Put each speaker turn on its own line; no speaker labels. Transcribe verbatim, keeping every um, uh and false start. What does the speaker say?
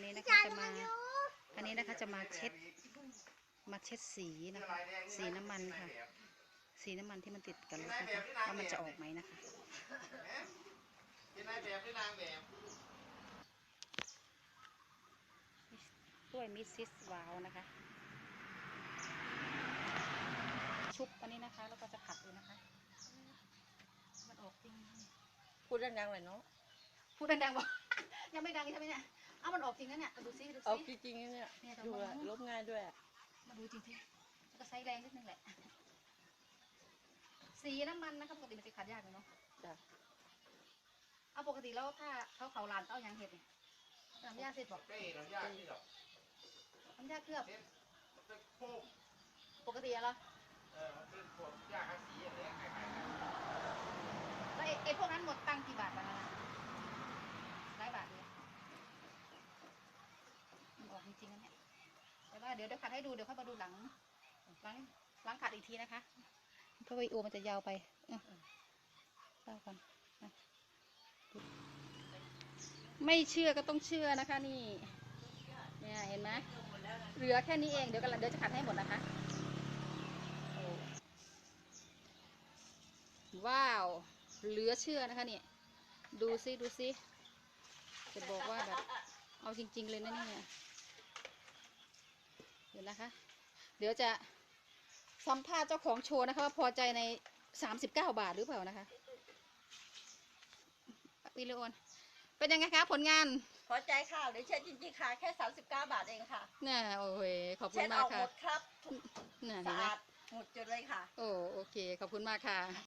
นี้นะคะจะมาอันนี้นะคะจะมาเช็ดมาเช็ดสีนะคะสีน้ำมันค่ะสีน้ำมันที่มันติดกันนะคะว่ามันจะออกไหมนะคะ
เป็นนายแบบหรือนางแบบ
ด้วยมิสซิสวาวนะคะชุบอันนี้นะคะแล้วก็จะผัดเลยนะคะมันออกจริง
พูดดังๆหน่อยเนาะ
พูดดังๆบอกยังไม่ดังใช่ไหมเนี่ยเอามันออกจริงนะเนี่ยดูซิดูซิ
ออกจริงๆเนี่ยดูอะลบง่ายด้วย
มาดูจริงๆแล้วก็ใช้แรงนิดนึงแหละสีน้ำมันนะคะปกติมันจะขัดยากเลยเนาะ
จ้ะ
เอาปกติแล้วถ้าเขาเขาลานเอาอย่างเห็ดเนี่ยน้ำยาเสร็จบอก
เป้น้ำยาที่ดอก
น้ำยาเคลือบ
เป็นโฟม
ปกติอะเหรอ
เออมันเป็นพวกยาฆ่าสีอะไรคล้ายๆกัน
แล้วไอ้พวกนั้นหมดตังค์กี่บาทกันนะหลายบาทเลยมันออกจริงๆนะเนี่ยแต่ว่าเดี๋ยวเดี๋ยวขัดให้ดูเดี๋ยวค่อยมาดูหลังหลังหลังขัดอีกทีนะคะเพราะวิดีโอมันจะยาวไปเออเล่ากันไม่เชื่อก็ต้องเชื่อนะคะนี่เนี่ยเห็นไหมเหลือแค่นี้เองเดี๋ยวกันเดี๋ยวจะขัดให้หมดนะคะว้าวเหลือเชื่อนะคะเนี่ยดูซิดูซิจะบอกว่าแบบเอาจริงๆเลยนะเนี่ยเดี๋ยวนะคะเดี๋ยวจะสัมภาษณ์เจ้าของโชว์นะคะว่าพอใจในสามสิบเก้าบาทหรือเปล่านะคะวิลโอนเป็นยังไงคะผลงาน
พอใจค่ะหรือเช็ดจริงๆค่ะแค่สามสิบเก้าบาทเองค่ะ
น่าโอ้ยขอบคุ
เช็
ณ
ด
มา
อก อก
ค่ะ
หมดครับ
น่า
สะอาดหมดจุดเลยค่ะ
โอ้โอเคขอบคุณมากค่ะ